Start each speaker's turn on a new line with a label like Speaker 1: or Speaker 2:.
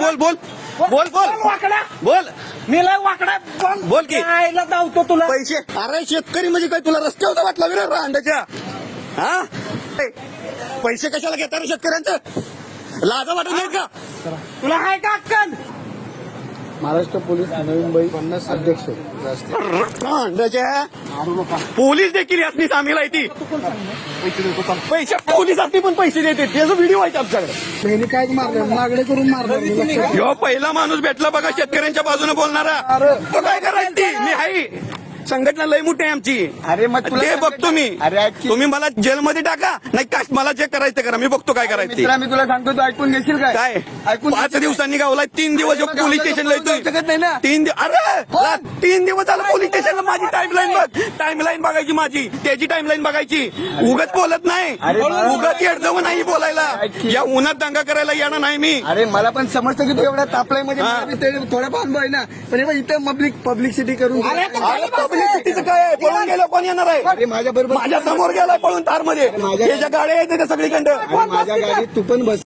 Speaker 1: बोल बोल बोल बोल
Speaker 2: वाकडा
Speaker 1: बोल
Speaker 2: मी लय वाकडा
Speaker 1: बोल की.
Speaker 2: आईला धावतो तुला
Speaker 1: पैसे अरे शेतकरी म्हणजे काय तुला रस्त्यावर वाटला विरा रांडाच्या हा पैसे कशाला घेता रे शेतकऱ्यांचं लाजा वाटत नाहीत का
Speaker 2: तुला आहे का अक्कल
Speaker 3: महाराष्ट्र पोलीस नवी मुंबई अध्यक्ष
Speaker 1: रांडाच्या पोलीस देखील यातनी सामील आहे ती पैसे पोलिसांनी पण पैसे देते त्याचा व्हिडिओ आहे आमच्याकडे
Speaker 3: त्यांनी काय मारलं मागणी करून मारलं
Speaker 1: ह्यो पहिला माणूस भेटला बघा शेतकऱ्यांच्या बाजूने बोलणारा तो काय करायचं ती मी आहे संघटना लय मोठी आहे आमची
Speaker 3: अरे मग तुला
Speaker 1: ते बघतो मी
Speaker 3: अरे ऐक की.
Speaker 1: तुम्ही मला जेलमध्ये टाका नाही काय मला जे करायचं ते करा मी बघतो काय करायचं ते.
Speaker 3: मित्रा मी तुला सांगतो तू ऐकून घेशील
Speaker 1: काय
Speaker 3: ऐकून
Speaker 1: 5 दिवसांनी गावला 3 दिवस पोलीस स्टेशनला
Speaker 3: जाऊ शकत नाही ना.
Speaker 1: 3 दिवस झालं पोलीस स्टेशनला माझी टाइमलाईन बघ टाइमलाईन बघायची माझी त्याची टाइमलाईन बघायची उगत बोलत नाही
Speaker 3: अरे बाळा.
Speaker 1: उगत येडजवं नाही बोलायला
Speaker 3: ऐक की.
Speaker 1: या उन्हात दंगा करायला येणार नाही मी
Speaker 3: अरे मला पण समजतं की तू एवढा तापलाय म्हणजे
Speaker 1: हा.
Speaker 3: मला बी ते थोडा अनुभव आहे ना पण हे बघ इथं पब्लिसिटी करून
Speaker 2: अरे
Speaker 1: पब्लिसिटीचं काय आहे? पळून गेलं कोण येणार आहे
Speaker 3: अरे माझ्या बरोबर
Speaker 1: माझ्या समोर गेलाय पळून तारमध्ये
Speaker 3: माझ्या-
Speaker 1: त्याच्या गाड्या आहेत त्या सगळीकडं
Speaker 3: माझ्या गाडीत तू पण बस